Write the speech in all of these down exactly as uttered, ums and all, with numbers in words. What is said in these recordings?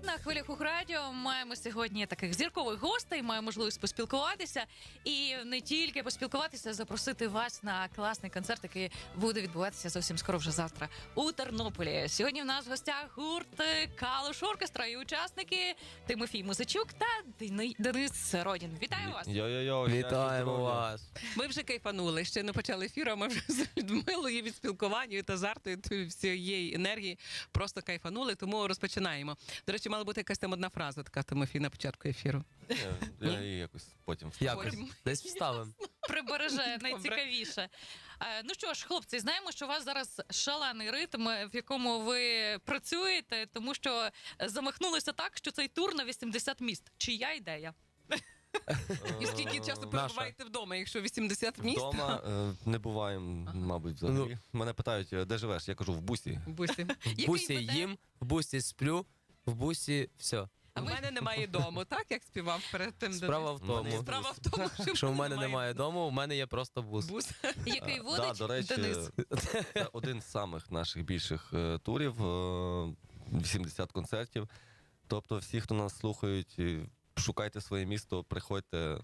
на хвилях Укррадіо маємо сьогодні таких зіркових гостей, маємо можливість поспілкуватися і не тільки поспілкуватися, а запросити вас на класний концерт, який буде відбуватися зовсім скоро, вже завтра у Тернополі. Сьогодні в нас в гостях гурт Калуш Оркестра і учасники Тимофій Музичук та Денис Родін. Вітаю вас! Йо-йо-йо, вітаємо вас! Ми вже кайфанули, ще не почали ефір, а ми вже з Людмилою від спілкування та азарту, і всієї енергії просто кайфанули, тому розпочинаємо. До речі, мала бути якась там одна фраза така, Тимофій, на початку ефіру. Я її якось потім. Якось. Потім. Десь вставимо. Прибереже найцікавіше. Е, Ну що ж, хлопці, знаємо, що у вас зараз шалений ритм, в якому ви працюєте, тому що замахнулися так, що цей тур на вісімдесят міст. Чия ідея? І скільки часу перебуваєте вдома, якщо вісімдесят міст? Вдома е, не буваємо, мабуть, взагалі. Мене питають, де живеш? Я кажу, в бусі. В бусі. В бусі їм, в бусі сплю, в бусі все. А в мене немає дому, так, як співав перед тим? Справа в тому. Мене- Справа в тому, що, Що в мене немає дому, у мене є просто бус. бус. Який Е, водить да, до речі, Денис. це один з самих наших більших е, турів, е, вісімдесят концертів. Тобто всі, хто нас слухають, і шукайте своє місто, приходьте,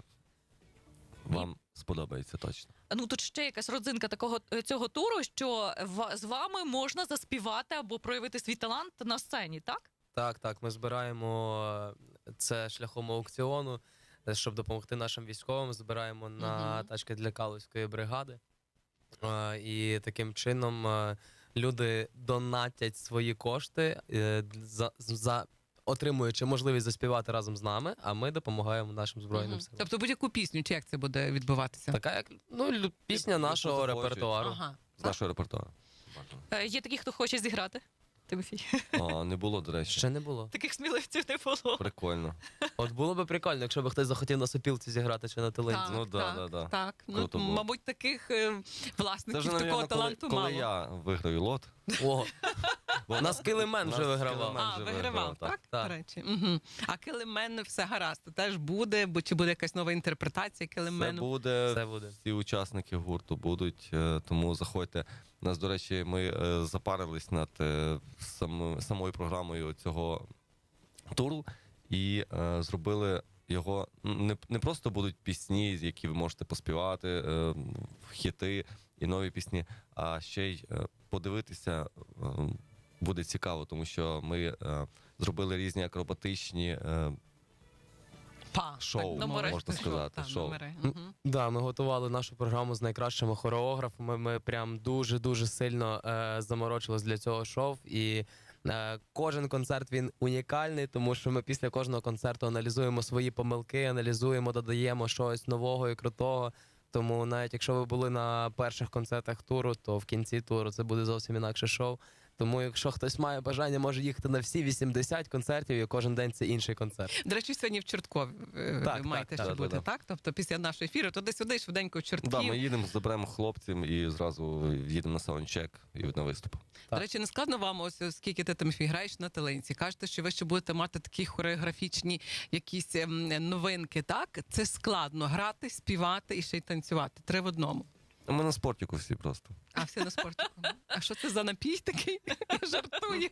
вам сподобається точно. Ну тут ще якась родзинка такого цього туру, що в- з вами можна заспівати або проявити свій талант на сцені, так? Так, так, ми збираємо це шляхом аукціону, щоб допомогти нашим військовим. Збираємо на Мгм. тачки для Калузької бригади. Е, І таким чином е, люди донатять свої кошти, е, за, за отримуючи можливість заспівати разом з нами, а ми допомагаємо нашим збройним Мгм. силам. Тобто будь-яку пісню, чи як це буде відбуватися? Така як ну, лю- пісня Яку нашого захочуть. репертуару. Ага. З нашого репертуару. Е, Є такі, хто хоче зіграти. Тимофій. А, не було, до речі. Ще не було. Таких сміливців не було. Прикольно. От було би прикольно, якщо б хтось захотів на сопілці зіграти чи на телинці. Так, Ну, да, так, да, да. так. Ну, Круто було. мабуть, таких е, Це власників вже, такого навіть, коли, таланту коли мало. я виграю лот. О, у нас килимен Нас вже вигравав. Килимен. А, вже вигравав, вигравав, так? так. До Так. речі. Угу. А Килимен все гаразд, теж буде, бо чи буде якась нова інтерпретація Це Килимену? буде, Це буде. всі учасники гурту будуть, е, тому заходьте. У нас, до речі, ми е, запарились над е, сам, самою програмою цього туру і е, зробили його. Не, не просто будуть пісні, які ви можете поспівати, е, хіти і нові пісні, а ще й е, подивитися е, буде цікаво, тому що ми е, зробили різні акробатичні е, Па, шоу, так, номери. можна сказати, Так, шоу. номери. М, Мгм. Да, ми готували нашу програму з найкращими хореографами. Ми прям дуже-дуже сильно е, заморочились для цього шоу. І е, кожен концерт він унікальний, тому що ми після кожного концерту аналізуємо свої помилки, аналізуємо, додаємо щось нового і крутого. Тому навіть якщо ви були на перших концертах туру, то в кінці туру це буде зовсім інакше шоу. Тому якщо хтось має бажання, може їхати на всі вісімдесят концертів, і кожен день це інший концерт. До речі, сьогодні в Чорткові е, Так, ви маєте так, ще так, бути, так, так? Тобто після нашого ефіру, туди-сюди, швиденько в Чортків. Да, ми їдемо, заберемо хлопців і зразу їдемо на саундчек і на виступ. До речі, не складно вам, ось оскільки ти Тимофій граєш на талинці, кажете, що ви ще будете мати такі хореографічні якісь ем, новинки, так? Це складно грати, співати і ще й танцювати. Три в одному. Ми на спортіку всі просто. А всі на спортику. А що це за напій такий? Я жартую.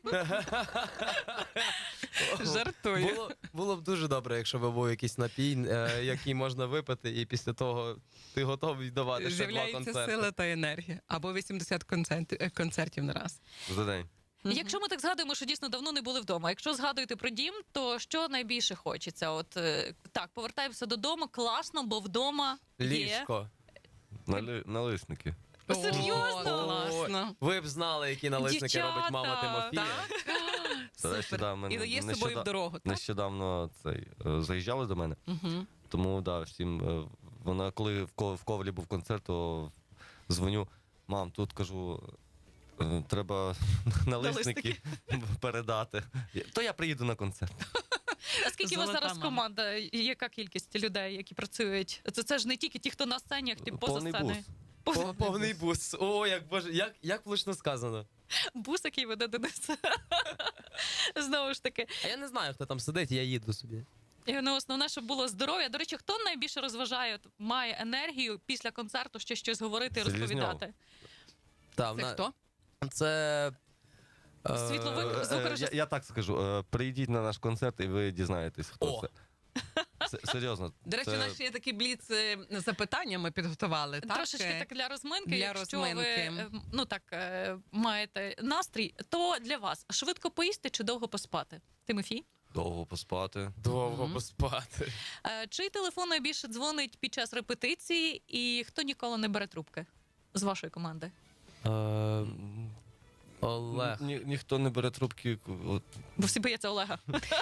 Жартую. Було, було б дуже добре, якщо б був якийсь напій, е, який можна випити, і після того ти готовий давати ще два З'являється концерти. сила та енергія. Або вісімдесят концертів, е, концертів на раз. За день. Якщо ми так згадуємо, що дійсно давно не були вдома. Якщо згадуєте про дім, то що найбільше хочеться? От е, так, повертаємося додому, класно, бо вдома є. Ліжко. Нали... Налисники. О, серйозно? О, класно. Ви б знали, які налисники Дівчата, робить мама Тимофія. До речі, да, ми І дає з нещода- собою в дорогу, так? Нещодавно цей, е, заїжджали до мене, Угу. тому да, всім, е, вона, коли в, Ко- в Ковалі був концерт, то дзвоню, мам, тут кажу, е, треба налисники передати. Я- То я приїду на концерт. А скільки у вас Золота зараз мама. команда? Яка кількість людей, які працюють? Це, це ж не тільки ті, хто на сцені, а ті поза Повний сценою. бус. Поза- О, повний бус. О, як боже, як, як влучно сказано. Бус, який веде Денис. Знову ж таки. А я не знаю, хто там сидить, я їду собі. І, ну, основне, щоб було здоров'я. До речі, хто найбільше розважає, от, має енергію після концерту ще щось говорити і Селізньов. розповідати? Та, Це вона- хто? Це Світловик, Е, звукорежисер. Я, я так скажу, е, прийдіть на наш концерт і ви дізнаєтесь, хто О. це. С- Серйозно. До речі, це- у нас ще є такі бліц е, запитання ми підготували. Так? Трошечки Е, так для розминки. для Якщо розминки. ви е, ну так е, маєте настрій, то для вас швидко поїсти чи довго поспати? Тимофій? Довго поспати. Довго Мгм. поспати. Е, Чий телефон найбільше дзвонить під час репетиції, і хто ніколи не бере трубки з вашої команди? Е, М, Олег. Ні, ніхто не бере трубки. От, Бо всі бояться Олега.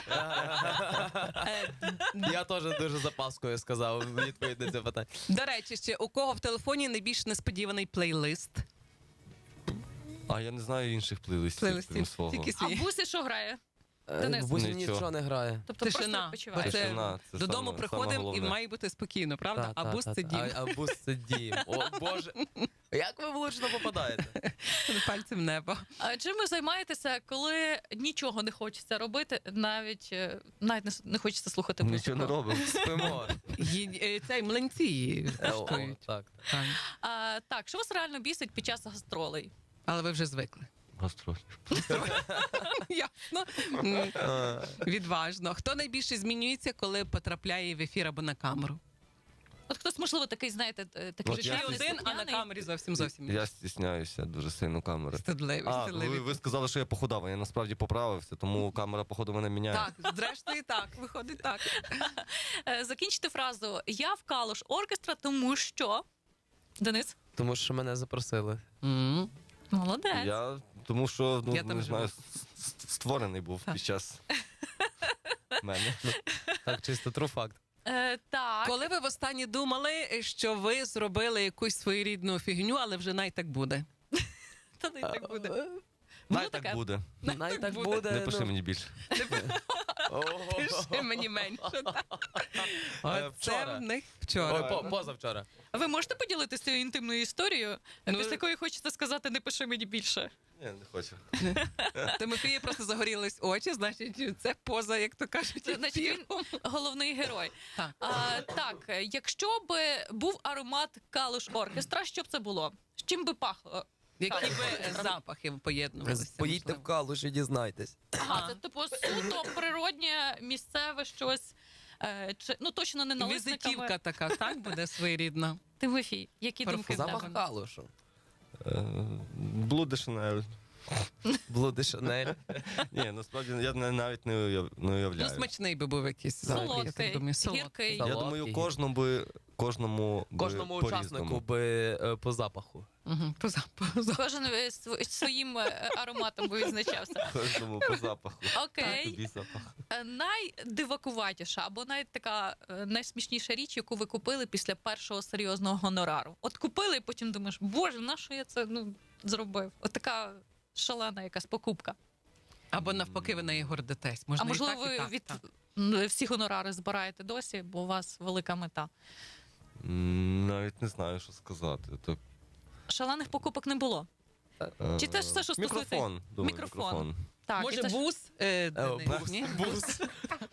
е, Я теж дуже запаскою сказав відповідь на це питання. До речі, ще у кого в телефоні найбільш несподіваний плейлист? а я не знаю інших плейлистів, Плейлистів. крім свого. Тільки А свій. Бусі що грає? Е, Денис. В бусі Нічого. нічого не грає. Тобто Тишина. просто Бо відпочиває. це Тишина, це Додому саме- саме приходимо і головне. має бути спокійно, правда? Та, а та, бус та, це та. дім. А, а бус це дім. О, Боже. Як ви влучно попадаєте? Пальцем в небо. А чим ви займаєтеся, коли нічого не хочеться робити, навіть е, навіть не с- не хочеться слухати музику? Нічого не робимо. Спимо. Ї- е, Цей млинці Е, о, коштують. Так. Так. А, так, що вас реально бісить під час гастролей? Але ви вже звикли. Гастроль. Ясно. М, Відважно. Хто найбільше змінюється, коли потрапляє в ефір або на камеру? От хтось, можливо, такий, знаєте, е, такий От Ти я життєвий, один, а на слухняний. камері зовсім зовсім. Я стісняюся дуже сильно камери. Стидливий, А, стидливий. ви, ви сказали, що я похудав, а я насправді поправився, тому камера, походу, мене міняє. Так, зрештою так, виходить так. Е, Закінчити фразу «Я в Калуш оркестра, тому що...» Денис? Тому що мене запросили. М. Молодець. Я, тому що, ну, Я там не знаю, живу. с- с- створений був Так. під час мене. Так, чисто true факт. Е, так. Коли ви востаннє думали, що ви зробили якусь своєрідну фігню, але вже най так буде? Та не так буде. Е, Було Най таке? так буде. Най так буде. буде. Не пиши ну. мені більше. Ого. Пиши мені менше. так. Е, Оце вчора. в них Ой, вчора. по- позавчора. Ви можете поділитися цією інтимною історією, Ну, після якої хочете сказати «не пиши мені більше»? Ні, не хочу. Тимофія просто загорілись очі, значить, це поза, як то кажуть, Значить, він ефіром. головний герой. Так. А, так, якщо б був аромат Калуш оркестра, що б це було? З чим би пахло? Які би запахи поєднувалися? Поїдьте в можливо? Калуш і дізнайтесь. Ага, це типу суто природнє, місцеве щось. Е, чи, ну точно не налисниками. Візитівка така, так буде своєрідна. Тимофій, які Парфум. думки в Запах тебе? Калушу. Е, Блуди Шанель. Блуди Шанель. Ні, насправді я не- навіть не уяв- не Ну, уявляю. смачний би був якийсь запах, я так Солодкий, думаю. Солодкий. гіркий. Так. Я Солодкий. думаю, кожному би кожному би Кожному по-різному. учаснику би е, по запаху. Угу, по запаху. Кожен е, св- своїм е, ароматом би відзначався. Кожному по запаху. Окей. Тобі запах. Е, Найдивакуватіша або навіть така е, найсмішніша річ, яку ви купили після першого серйозного гонорару. От купили, і потім думаєш, боже, на що я це ну, зробив? От така шалена якась покупка. Або навпаки, ви неї гордитесь. Можна А можливо, і так, і ви так, від так. м, всі гонорари збираєте досі, бо у вас велика мета. М, Навіть не знаю, що сказати. Так, Шалених покупок не було. е, Чи те ж все, що стосується- Мікрофон, думаю, Мікрофон. мікрофон. Так, Може, і це ж- бус? Е, Денис, бус. ні? Бус.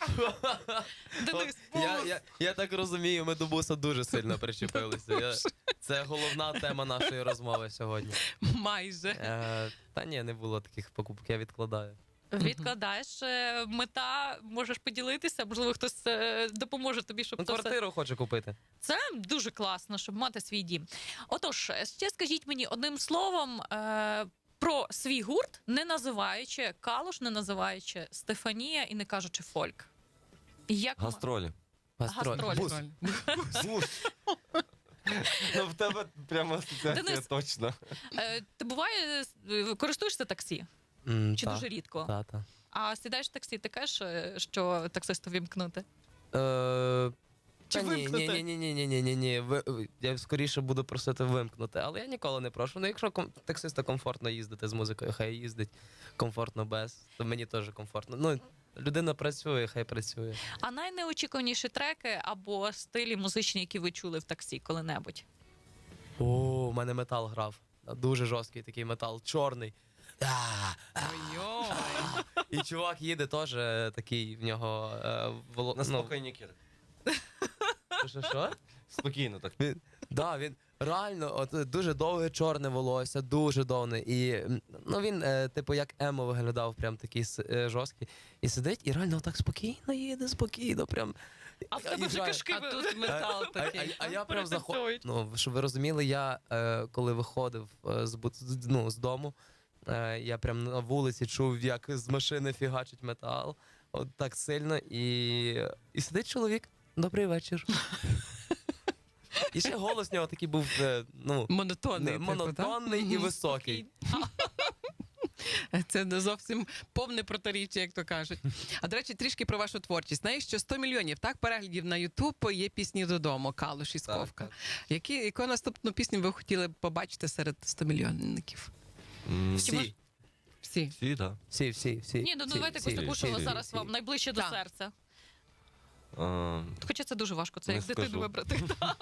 Денис, Я, я, я так розумію, ми до буса дуже сильно причепилися. Я, це головна тема нашої розмови сьогодні. Майже. Е, та ні, не було таких покупок, я відкладаю. відкладаєш е, мета, можеш поділитися, можливо, хтось е, допоможе тобі, щоб Ну, це все... квартиру хочу купити. Це дуже класно, щоб мати свій дім. Отож, ще скажіть мені одним словом е, про свій гурт, не називаючи Калуш, не називаючи Стефанія і не кажучи фольк. Як м- Гастролі. Гастролі. Бус. Бус. Ну, в тебе прямо асоціація Денис. точно. е, ти буває е, користуєшся таксі? М, Чи та, дуже рідко? Та, та. А сідаєш в таксі, ти кажеш, е, що таксисту вімкнути? Е, Чи та ні, ні, вимкнути? ні, ні, ні, ні, ні, ні. Ви, ви- я скоріше буду просити вимкнути, але я ніколи не прошу. Ну, якщо ком- таксиста комфортно їздити з музикою, хай їздить комфортно без, то мені теж комфортно. Ну, людина працює, хай працює. А найнеочікуваніші треки або стилі музичні, які ви чули в таксі коли-небудь? О, у мене метал грав. Дуже жорсткий такий метал, чорний. А, а. Ой-ой. І чувак їде теж е, такий в нього е, воло... На ну, спокійні кір. що, що? Спокійно так. Він, да, він Реально, от е, дуже довге чорне волосся, дуже довге. І м, ну він, е, типу, як емо виглядав, прям такий с- е, жорсткий. І сидить, і реально так спокійно їде, спокійно, прям. А в І тебе вже грає. кишки А тут метал А, а, такий. а я прям заходив. перетанцьовують. Ну, щоб ви розуміли, я е, коли виходив е, з, бут- з- ну, з дому, е, я прям на вулиці чув, як з машини фігачить метал. От так сильно. І, і сидить чоловік. Добрий вечір. І ще голос у нього такий був е, ну, Монотонний. не, типу, монотонний так? і Мгм. високий. Це не зовсім повне протиріччя, як то кажуть. А до речі, трішки про вашу творчість. Знаєш, що сто мільйонів так переглядів на Ютуб є пісні додому, Калуш і Сковка. Так, Які, яку наступну пісню ви хотіли б побачити серед сто мільйонників? М, Всі, Всі. Всі, так. всі, всі, всі. Ні, ну всі, давайте всі, якусь таку, що всі, зараз всі. вам найближче до Так. серця. Да. Хоча це дуже важко, це Не як дитину скажу. вибрати.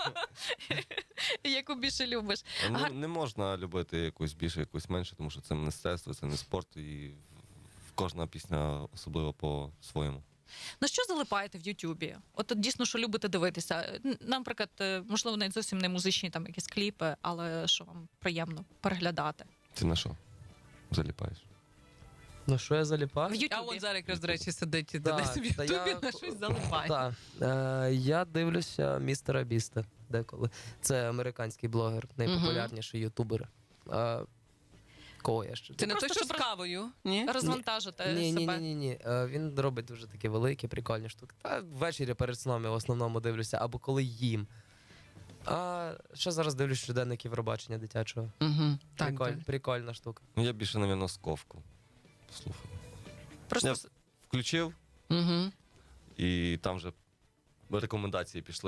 Яку більше любиш. Е, Гар- Ну, не можна любити якусь більше, якусь менше, тому що це мистецтво, це не спорт, і кожна пісня особливо по-своєму. На що залипаєте в Ютубі? От от дійсно, що любите дивитися? Н- Наприклад, е, можливо, навіть зовсім не музичні там якісь кліпи, але що вам приємно переглядати. Ти на що заліпаєш? Ну що я заліпав? В А Ютубі. от зараз якраз, до речі, сидить Так, десь в та Ютубі, я- на щось залипає. Так. Е, я дивлюся містера Біста деколи. Це американський блогер, найпопулярніший ютубер. Е, кого я ще? Це не просто, той, що з щоб кавою, ні? Розвантажити Ні, ні, ні, себе. ні, ні. Е, він робить дуже такі великі, прикольні штуки. Та ввечері перед сном я в основному дивлюся, або коли їм. А ще зараз дивлюсь щоденник Євробачення дитячого. Угу. Так, Приколь, так. прикольна штука. Ну, я більше, напевно, сковку. Слухаю. Просто Я с- включив, Угу. і там вже рекомендації пішли.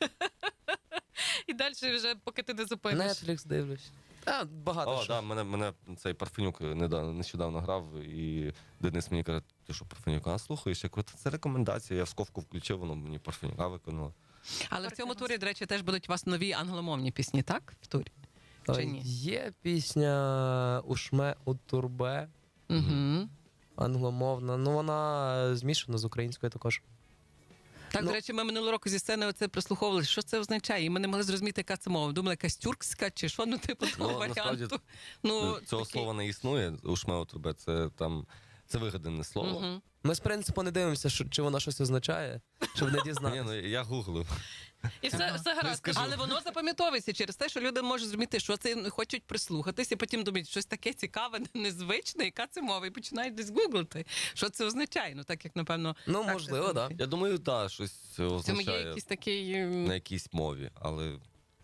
і далі вже, поки ти не зупиниш. Netflix дивлюсь. А, багато О, що. да, мене, мене цей Парфенюк недавно, нещодавно грав, і Денис мені каже, ти що Парфенюка, а слухаєш? Я кажу, «Та це рекомендація, я в сковку включив, воно мені Парфенюка виконало. Але в цьому турі, до речі, теж будуть у вас нові англомовні пісні, так? В турі? Е, Чи ні? Є пісня Ушме у турбе, Угу. англомовна. Ну вона змішана з українською також. Так, Ну- до речі, ми минулого року зі сцени оце прислуховували. Що це означає? І ми не могли зрозуміти, яка це мова. Думали, якась тюркська чи що, ну типу того Ну, насправді, варіанту. Ну, Цього такий. слова не існує, ушмео трубе, це там, це вигадане слово. Мгм. Ми з принципу не дивимося, що, чи вона щось означає, щоб не Ні, дізнатися. ну я гуглив. І все, все гаразд. скажу. Але воно запам'ятовується через те, що люди можуть зрозуміти, що це ну, хочуть прислухатись, і потім думають, щось таке цікаве, незвичне, яка це мова, і починають десь гуглити, що це означає. Ну так як напевно, Ну, так, можливо, це- так. Да. Я думаю, так, щось в цьому є означає якийсь такий. м, на якійсь мові, але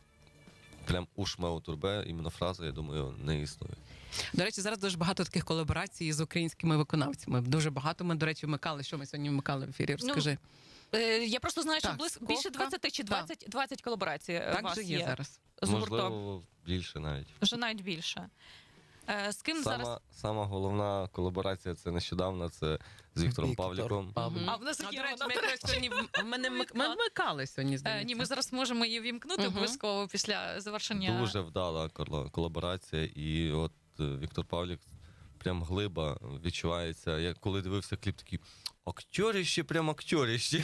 прям ушмео турбе, іменно фраза, я думаю, не існує. До речі, зараз дуже багато таких колаборацій з українськими виконавцями. Дуже багато. Ми, до речі, вмикали. Що ми сьогодні вмикали в ефірі? Розкажи. Е, Я просто знаю, що Так, близько Сковка. більше двадцять чи двадцять, двадцять колаборацій е, у так вас же є, зараз. з гуртом. Можливо, більше навіть. Вже навіть більше. Е, З ким зараз? Сама, сама головна колаборація це нещодавно, це з Віктором Віктор Павліком. Павлік. А в нас А, є до речі, вона, ми до якраз сьогодні в- ми не вмик- ми вмикали сьогодні. Е, Здається. Ні, ми зараз можемо її вімкнути Мгм. обов'язково після завершення. Дуже вдала коло- колаборація, і от е, Віктор Павлік прям глиба відчувається. Я коли дивився кліп, такий актьоріще, прям актьоріще.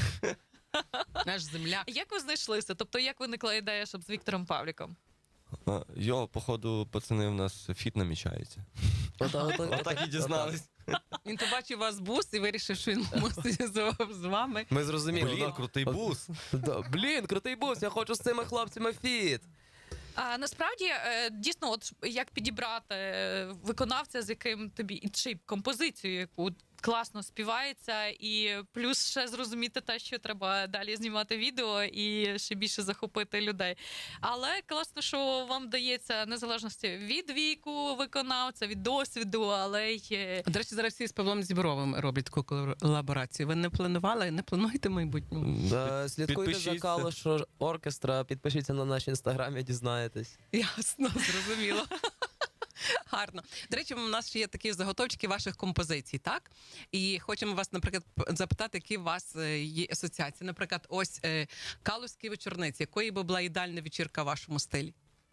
Наш земляк. Як ви знайшлися? Тобто, як виникла ідея, щоб з Віктором Павліком? А, Йо, походу, пацани, в нас фіт намічається. Отак, отак, Отак і дізнались. Він побачив вас бус і вирішив, що він мусить з- з вами. Ми зрозуміли. Блін, да. крутий бус. Да, Блін, крутий бус, я хочу з цими хлопцями фіт. А насправді е, дійсно, от як підібрати е, виконавця, з яким тобі і чи композицію, яку класно співається, і плюс ще зрозуміти те, що треба далі знімати відео і ще більше захопити людей. Але класно, що вам дається незалежності від віку виконавця, від досвіду, але й е, До речі, зараз всі з Павлом Зібровим роблять таку колаборацію. Ви не планували, не плануєте в майбутньому? Да, слідкуйте за Підпишіться. Калош оркестра, підпишіться на наш інстаграм і дізнаєтесь. Ясно, зрозуміло. Гарно. До речі, у нас ще є такі заготовчики ваших композицій, так? І хочемо вас, наприклад, п- запитати, які у вас е, є асоціації. Наприклад, ось е, Калузькі вечорниці. Якої би була ідеальна вечірка в вашому стилі?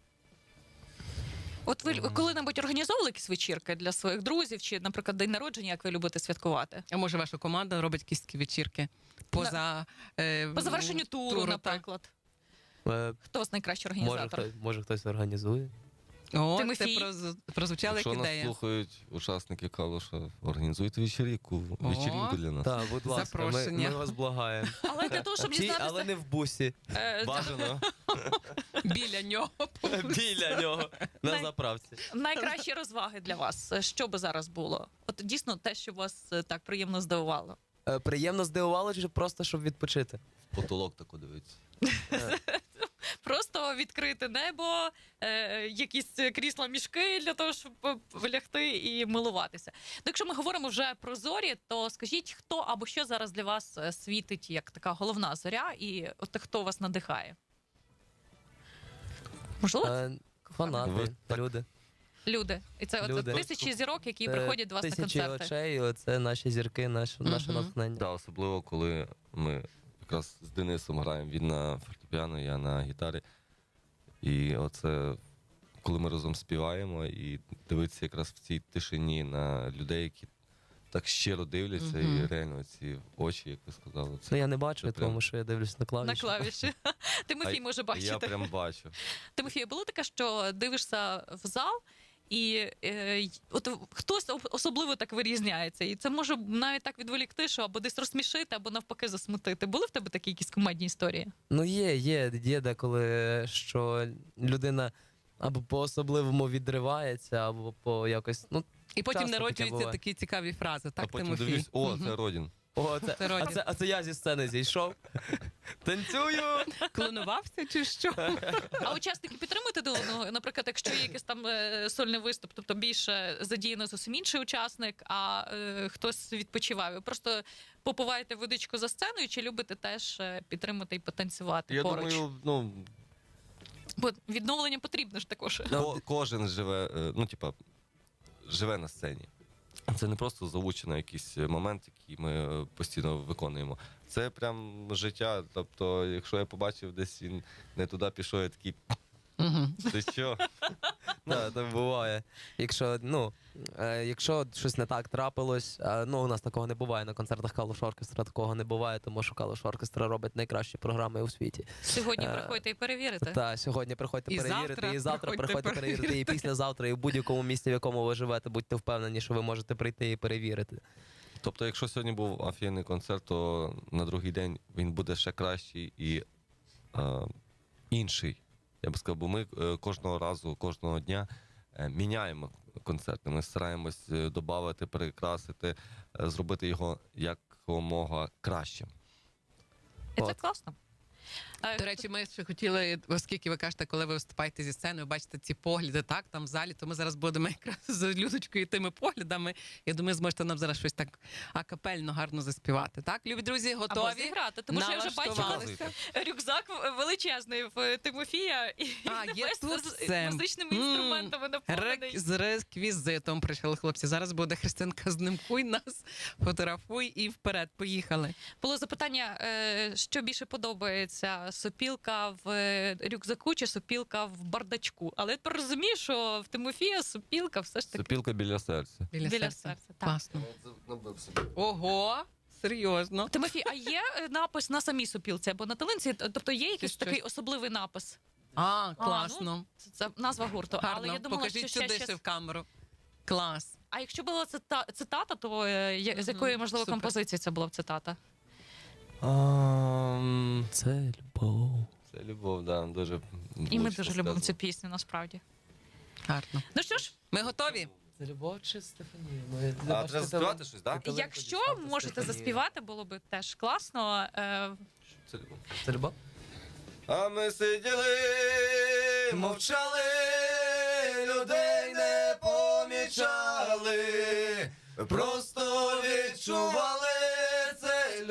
от ви коли-небудь організовували якісь вечірки для своїх друзів, чи, наприклад, день народження, як ви любите святкувати? А може, ваша команда робить якісь такі вечірки поза, е, По завершенню туру, так? наприклад. Е, Хто з найкращий Може, організатор? хтось, може хтось організує. О, Тимофій. це проз- прозвучала як Якщо нас ідея. слухають учасники Калуша, організуйте вечірку, О. вечірку для нас. Так, будь ласка, ми, Запрошення. ми вас благаємо. Але для того, щоб Ті, дізнатися... але не в бусі. е, Бажано. Біля нього. Біля нього. На Най- заправці. Найкращі розваги для вас. Що би зараз було? От дійсно те, що вас е, так приємно здивувало. Е, Приємно здивувало, чи просто щоб відпочити? Потолок тако дивиться. Просто відкрити небо, е, якісь крісла мішки для того, щоб е, лягти і милуватися. Ну, якщо ми говоримо вже про зорі, то скажіть, хто або що зараз для вас е, світить як така головна зоря, і от хто вас надихає? Можливо, Е, Ви Фанати, так- люди. люди. І це люди. от тисячі зірок, які Е, приходять до вас на Тисячі концерти. очей, це наші зірки, наше, наше Мгм. натхнення. Да, особливо, коли ми якраз з Денисом граємо. Він на фортепіано, я на гітарі. І оце, коли ми разом співаємо, і дивитися якраз в цій тишині на людей, які так щиро дивляться, і Мгм. реально ці очі, як ви сказали, це Ну я не бачу, Це прям- тому що я дивлюсь на клавіші. На клавіші. Тимофій А може я бачити. прям бачу. Тимофію, було таке, що дивишся в зал, і е, й- от хтось об- особливо так вирізняється. І це може навіть так відволікти, що або десь розсмішити, або навпаки засмутити. Були в тебе такі якісь комедні історії? Ну є, є, є деколи, що людина або по-особливому відривається, або по якось. Ну, І потім Часто таке народжуються буває. такі цікаві фрази. Так, а потім Тимофій? дивлюсь, о, Мгм. це Родін. о, це, Це а, Родін. це, а це я зі сцени зійшов. Танцюю! Клонувався чи що? А учасники підтримують один одного? Наприклад, якщо є якийсь там е, сольний виступ, тобто більше задіяно зовсім інший учасник, а е, хтось відпочиває. Ви просто попиваєте водичку за сценою, чи любите теж е, підтримати і потанцювати Я поруч? думаю, ну, Бо відновлення потрібно ж також. ко- кожен живе, е, ну, типа, живе на сцені. Це не просто заучено якийсь момент, який ми е, постійно виконуємо. Це прям життя. Тобто, якщо я побачив, десь він не туди пішов, я такий, Мгм. ти що? Так, так буває. Якщо, ну, е, якщо щось не так трапилось, е, ну у нас такого не буває на концертах Калуш Оркестра, такого не буває, тому що Калуш Оркестра робить найкращі програми у світі. Сьогодні Е, приходьте і перевірите. Та сьогодні приходьте І перевірити, завтра і завтра приходьте приходьте перевірити, і перевірити. післязавтра, і в будь-якому місці, в якому ви живете, будьте впевнені, що ви можете прийти і перевірити. Тобто, якщо сьогодні був офігенний концерт, то на другий день він буде ще кращий і е, інший. Я би сказав, бо ми е, кожного разу, кожного дня е, міняємо концерти. Ми стараємось е, додати, перекрасити, е, зробити його якомога кращим. І це От. класно. Е, До речі, ми ще хотіли, оскільки ви кажете, коли ви виступаєте зі сцени, ви бачите ці погляди, так, там в залі, то ми зараз будемо якраз з Людочкою і тими поглядами. Я думаю, зможете нам зараз щось так акапельно гарно заспівати. Так, любі друзі, або готові? зіграти, тому що я вже бачила Налаштувалися. рюкзак величезний в Тимофія і А, є весь тут з все. музичними М, інструментами наповнений. Рек... З реквізитом прийшли хлопці. Зараз буде Христинка, знімкуй нас, фотографуй і вперед. Поїхали. Було запитання, е, що більше подобається: сопілка в е, рюкзаку чи сопілка в бардачку. Але я тепер розумію, що в Тимофія сопілка все ж таки Сопілка біля серця. Біля, біля серця. серця. Так. Класно. Ого, серйозно. Тимофій, а є е, напис на самій сопілці або на талинці? Тобто є якийсь щось. такий особливий напис? А, класно. Це, це назва гурту. Гарно. Але я думала, Покажіть що ще, сюди ще... ще в камеру. Клас. А якщо була цита... цитата, то е, я- з якої, Мгм, можливо, супер. композиції це була б цитата? Ам, Це любов. Це любов, да, дуже. І ми влучно дуже любимо сказано. цю пісню, насправді. Гарно. Ну що ж, Ми готові? Це любов чи Стефанія? Ми, А треба заспівати щось, так? Талинку якщо діставте можете Стефанію. заспівати, було б теж класно. Е, Це любов. Це любов? А ми сиділи, мовчали, людей не помічали, просто відчували це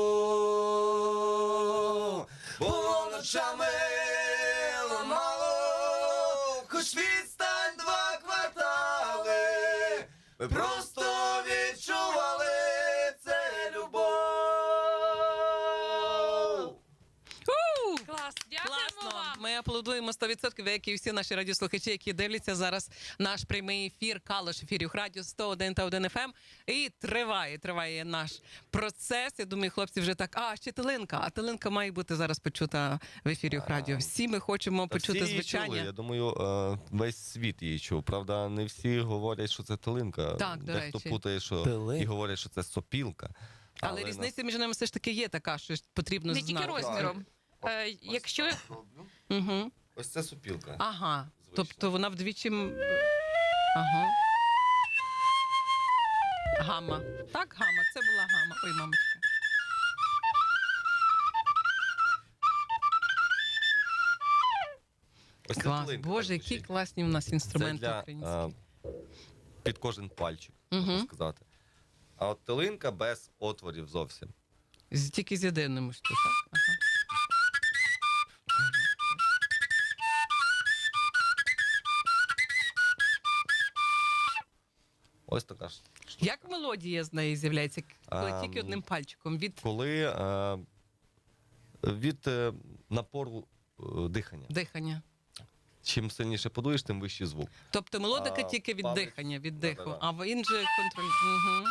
любов. Було ночами ламало, хоч відстань два квартали, ми просто відчували це любов. клас, дякуємо Класно. вам. Ми аплодуємо сто відсотків, як і всі наші радіослухачі, які дивляться зараз наш прямий ефір Калуш ефірів Радіо сто один та один еф ем. І триває, триває наш процес. Я думаю, хлопці вже так, а, ще Талинка. А Талинка має бути зараз почута в ефірі Радіо. Всі ми хочемо Та почути всі її чули. звучання. Я думаю, е, весь світ її чув. Правда, не всі говорять, що це Талинка. Так, до Дехто речі. путає, що Талинка. і говорять, що це сопілка. Але, нас- різниця між ними все ж таки є така, що потрібно Не знати. тільки розміром. Ось- Е, ось Якщо так роблю. Угу. Ось це сопілка. Ага. Звичайно. Тобто вона вдвічі. м- Ага. Гамма. Так, гамма. Це була гамма. Ой, мамочка. Ось це Клас. талинка, Боже, так які звучить. класні у нас Це інструменти для, українські. е, під кожен пальчик, можна Угу. сказати. А от талинка без отворів зовсім. З, тільки з єдиним ось тут, так? Ага. Ось така ж штука. Як мелодія з неї з'являється, коли Ам, тільки одним пальчиком? Від Коли е, від е, напору е, дихання. дихання. Чим сильніше подуєш, тим вищий звук. Тобто мелодика А, тільки від палець. дихання, від диху, Да-да-да. а в він же контроль. Угу.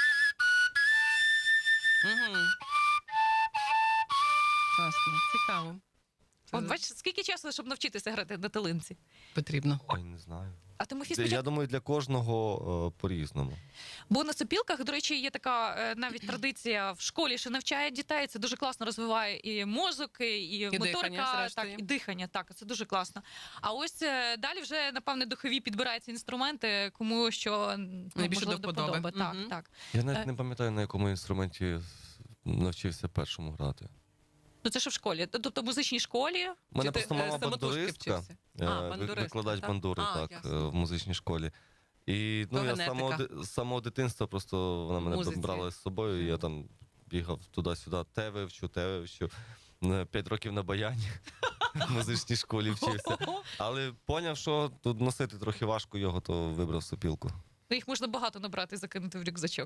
Угу. Класно, цікаво. Це От бачиш, скільки часу, щоб навчитися грати на талинці? потрібно. Ой, не знаю. А Тимофій Для- спочатку. Я думаю, для кожного е, по-різному. Бо на сопілках, до речі, є така е, навіть традиція в школі, що навчає дітей. Це дуже класно розвиває і мозок, і, і дихання, моторика, зрештою. так, і дихання. Так, це дуже класно. А ось е, далі вже, напевне, духові підбираються інструменти, кому що ну, Найбільше можливо, до вподоби. вподоби. Так, Мгм. так. Я навіть Е. не пам'ятаю, на якому інструменті навчився першому грати. Ну це ж в школі. Тобто в музичній школі. У мене Чи ти, просто е, мама самотужки бандуристка, вчився? е, А, ви- бандуристка, викладач так? бандури А, так, ясно. е, в музичній школі. І ну, То я з самого, генетика. ди- з самого дитинства просто вона мене Музиці. брала з собою, і я там бігав туди-сюди, те вивчу, те вивчу. Е, П'ять років на баяні в музичній школі вчився. Але поняв, що тут носити трохи важко його, то вибрав сопілку. Ну, їх можна багато набрати і закинути в рюкзачок.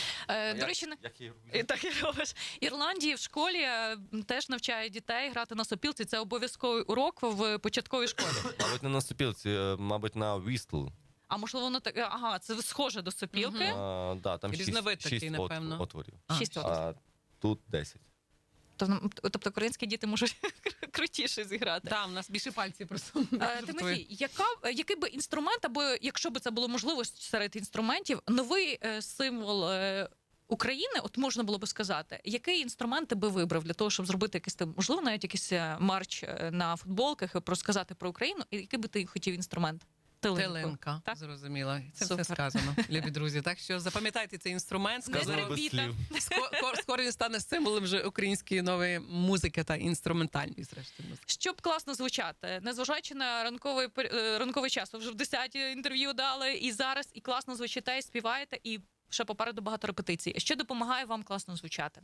Е, до речі, на- як я її І так і робиш. Ірландії в школі е, теж навчають дітей грати на сопілці. Це обов'язковий урок в початковій школі. Мабуть, не на сопілці, е, мабуть, на вістл. А можливо, воно так. Ага, це схоже до сопілки. Мгм. А, да, там Різновид шість, такий, шість от- напевно. отворів. А, Шість шість. років. А тут десять. Тобто, тобто українські діти можуть крутіше зіграти. Так, у нас більше пальців просто. Е, Тимофій, яка, який би інструмент, або якщо би це було можливо серед інструментів, новий е, символ е, України, от можна було би сказати, який інструмент ти би вибрав для того, щоб зробити якийсь там, можливо, навіть якийсь е, марч е, на футболках, і розказати про Україну, і який би ти хотів інструмент? Тилинку. Теленка, Так? зрозуміло. Це Супер. все сказано, любі друзі. Так що запам'ятайте цей інструмент. Не Сказано без трембіта. слів. Скоро, скоро він стане символом вже української нової музики та інструментальної, зрештою. музики. Щоб класно звучати, незважаючи на ранковий пер- е, ранковий час, ви вже в десяті інтерв'ю дали, і зараз і класно звучите, і співаєте, і ще попереду багато репетицій. Що допомагає вам класно звучати?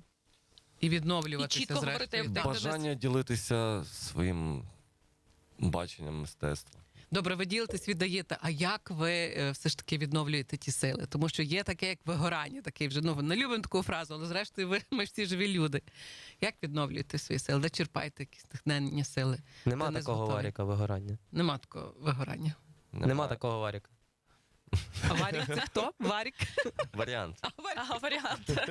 І відновлюватися, І чітко говорити, зрештою. де- так. Бажання ділитися своїм баченням мистецтва. Добре, ви ділитесь, віддаєте. А як ви е, все ж таки відновлюєте ті сили? Тому що є таке, як вигорання, такий вже ну не любимо таку фразу, але зрештою ви ми ж всі живі люди. Як відновлюєте свої сили? Де черпаєте якісь натхнення сили? Нема Та не такого зготовий. варіка вигорання. Нема такого вигорання. Нема такого варіка. А Варік це хто? Варік? Варіант. А, Варік. А, варіант.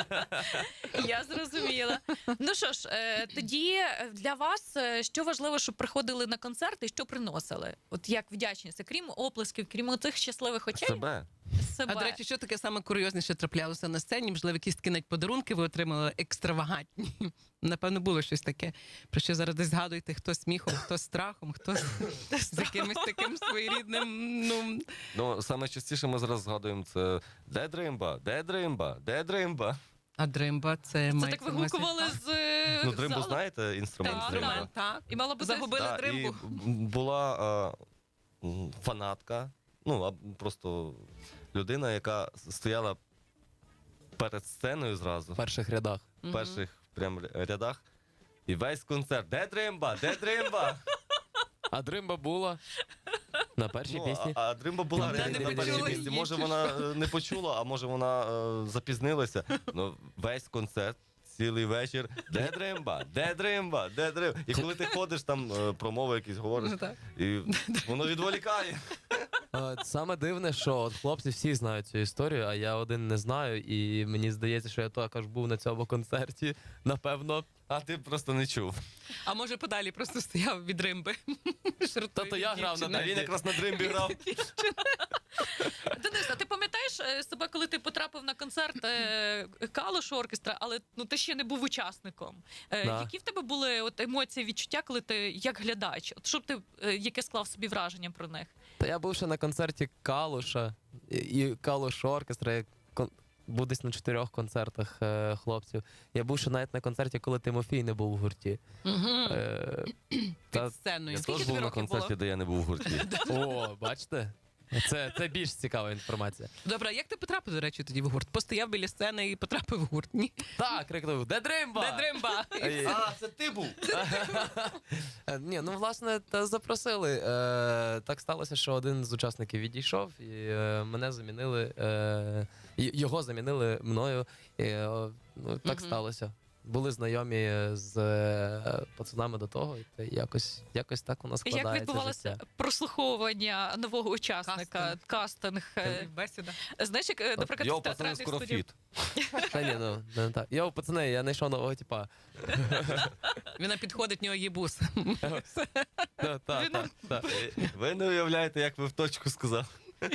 Я зрозуміла. Ну що ж, е, тоді е, для вас е, що важливо, щоб приходили на концерти і що приносили? От як вдячність, крім оплесків, крім цих щасливих очей, Себе. себе. А до речі, що таке саме курйозніше траплялося на сцені? Можливо, якісь такі навіть подарунки ви отримали екстравагантні. Напевно, було щось таке. Про що зараз десь згадуєте, хто сміхом, хто страхом, хто з якимось таким своєрідним. Ну Ну, саме частіше ми зараз згадуємо це де дримба, де дримба, де дримба. а дримба це Це мається так на увазі- вигукували з е, Ну, дримбу залу. знаєте, інструмент Так, дримба? Інструмент, так. І мала бути Загубили Да, дримбу. і була е, м, фанатка, ну, а просто людина, яка стояла перед сценою зразу, В перших рядах. в перших прям рядах, і весь концерт. Де дримба? Де дримба? А дримба була на першій Ну, пісні. а, а дримба була Ну, реально не на першій почула пісні. її, Може, чи вона е, не почула, а може вона е, запізнилася. Ну, весь концерт цілий вечір. Де дримба? Де дримба? Де дримба? І коли ти ходиш, там е, промови якісь говориш, Ну, так. і воно відволікає. Е, Саме дивне, що от хлопці всі знають цю історію, а я один не знаю, і мені здається, що я також був на цьому концерті, напевно. А ти просто не чув. А може подалі просто стояв від римби. Та то я грав на А він якраз на дримбі грав. Денис, а ти пам'ятаєш е, себе, коли ти потрапив на концерт е, Калуш оркестра, але ну ти ще не був учасником. Е, Да. Які в тебе були от емоції, відчуття, коли ти як глядач? От щоб ти е, яке склав собі враження про них? Та я був ще на концерті Калуша і- і Калуш оркестра. Я кон- був десь на чотирьох концертах е, хлопців. Я був ще навіть на концерті, коли Тимофій не був в гурті. Е, та- Під сценою. Я Скільки теж тобі був на років концерті, було? де я не був в гурті. О, бачите? Це, це більш цікава інформація. Добре, а як ти потрапив, до речі, тоді в гурт? Постояв біля сцени і потрапив в гурт. Ні? Так, крикнув, де дримба? Де дримба? Е, А, це ти був! Е, Ні, ну власне та запросили. Е, так сталося, що один з учасників відійшов, і е, мене замінили. Е, й- його замінили мною. І, е, ну, так Мгм. сталося. Були знайомі з е, пацанами до того, і та якось, якось так у нас складається Як відбувалося життя. прослуховування нового учасника, Кастинг. кастинг? е, Бесіда. Знаєш, як, е, наприклад, Йо, в пацани, театральних скоро студіях. фіт. Та ні, ну не так. Йоу, пацани, я знайшов нового типа. Він підходить, в нього є бус. Ну, та, Він- та, та. Ви не уявляєте, як ви в точку сказав.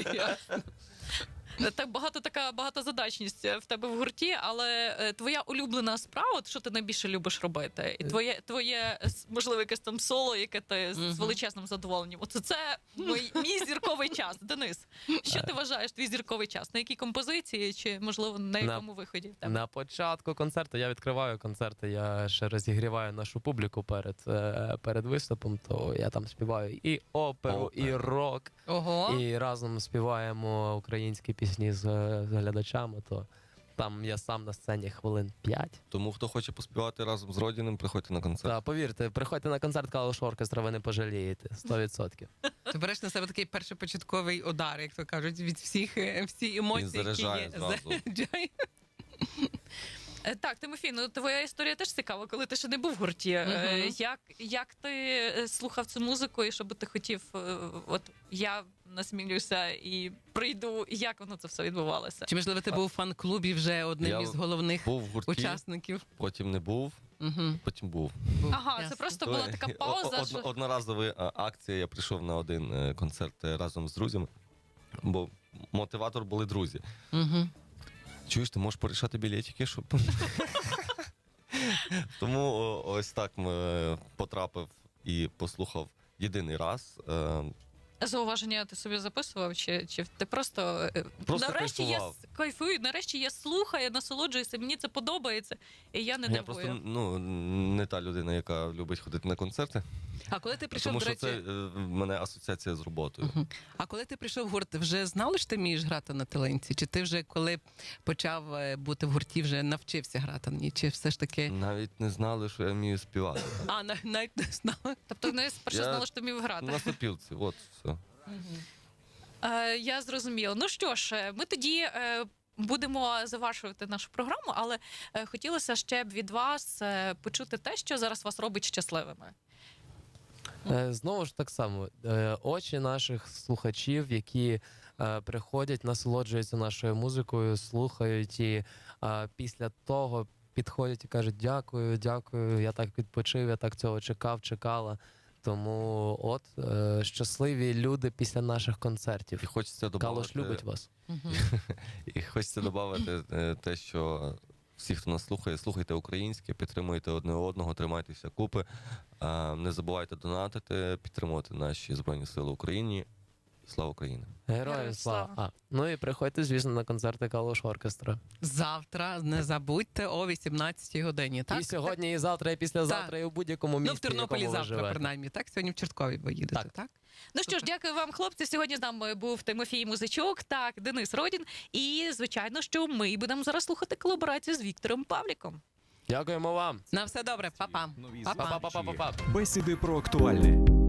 Так багато така багатозадачність в тебе в гурті, але е, твоя улюблена справа, от що ти найбільше любиш робити, і твоє твоє с- можливо якесь там соло, яке ти з- з Мгм. величезним задоволенням. Оце це мій, мій зірковий час. Денис, що ти вважаєш твій зірковий час? На якій композиції, чи можливо на На- якому виході в тебе? На початку концерту я відкриваю концерти, я ще розігріваю нашу публіку перед, е, перед виступом, то я там співаю і оперу, і Опера. рок, Ого. і разом співаємо українські пісні з, з глядачами, то там я сам на сцені хвилин п'ять. Тому хто хоче поспівати разом з Родіним, приходьте на концерт. Та повірте, приходьте на концерт Калуш оркестра, ви не пожалієте, сто відсотків. Ти береш на себе такий першопочатковий удар, як то кажуть, від всіх е, всі емоції, Він заряджає які є. зразу. Заряджає. Е, Так, Тимофій, ну твоя історія теж цікава, коли ти ще не був в гурті. Е, Мгм. Як, як ти е, слухав цю музику, і що би ти хотів, е, от я насмілюся і прийду, як воно це все відбувалося? Чи можливо ти був у фан-клубі вже одним Я із головних Був в гурті, учасників? потім не був, Угу. потім був. Ага, це просто була така О- пауза. о- що... одно- Одноразова е, акція, я прийшов на один е, концерт е, разом з друзями, бо мотиватор були друзі. Угу. Чуєш, ти можеш порішати білетики, щоб. Тому о, ось так е, потрапив і послухав єдиний раз. Е, Зауваження ти собі записував, чи, чи ти просто, е, Просто нарешті я кайфував. с- кайфую, нарешті я слухаю, насолоджуюся, мені це подобається, і я не Я дивую. просто ну, не та людина, яка любить ходити на концерти, А коли ти прийшов, тому до що речі, це е, в мене асоціація з роботою. Мгм. А коли ти прийшов в гурт, вже знали, що ти вмієш грати на талинці? Чи ти вже коли почав е, бути в гурті, вже навчився грати на ній? Чи все ж таки. Навіть не знали, що я вмію співати. А, на- навіть не знала. Тобто не спершу Я- знала, що ти вмів грати. На сопілці, от все. Е, я зрозуміла. Ну що ж, е, ми тоді е, будемо завершувати нашу програму, але е, хотілося ще б від вас е, почути те, що зараз вас робить щасливими. Е, Знову ж так само, е, очі наших слухачів, які е, приходять, насолоджуються нашою музикою, слухають і е, після того підходять і кажуть: дякую, дякую, я так відпочив, я так цього чекав, чекала. Тому от е, щасливі люди після наших концертів. І хочеться Калуш додати, любить вас. і хочеться додати е, те, що всі, хто нас слухає, слухайте українське, підтримуйте одне одного, тримайтеся купи. Е, Не забувайте донатити, підтримувати наші Збройні Сили України. Слава Україні! Героям Героям слава! слава. А, ну і приходьте, звісно, на концерти Калуш оркестра. Завтра не забудьте о вісімнадцятій годині. Так? І сьогодні, і завтра, і післязавтра, і у будь-якому місті, Ну, в Тернополі в якому ви завтра, живете. принаймні. Так, сьогодні в Чорткові ви їдете, так? Так. Ну що ж, дякую вам, хлопці. Сьогодні з нами був Тимофій Музичок, так, Денис Родін. І, звичайно, що ми будемо зараз слухати колаборацію з Віктором Павліком. Дякуємо вам. На все добре, па-па. Нові Па-па. Па-па-па-па-па. Бесіди про актуальне.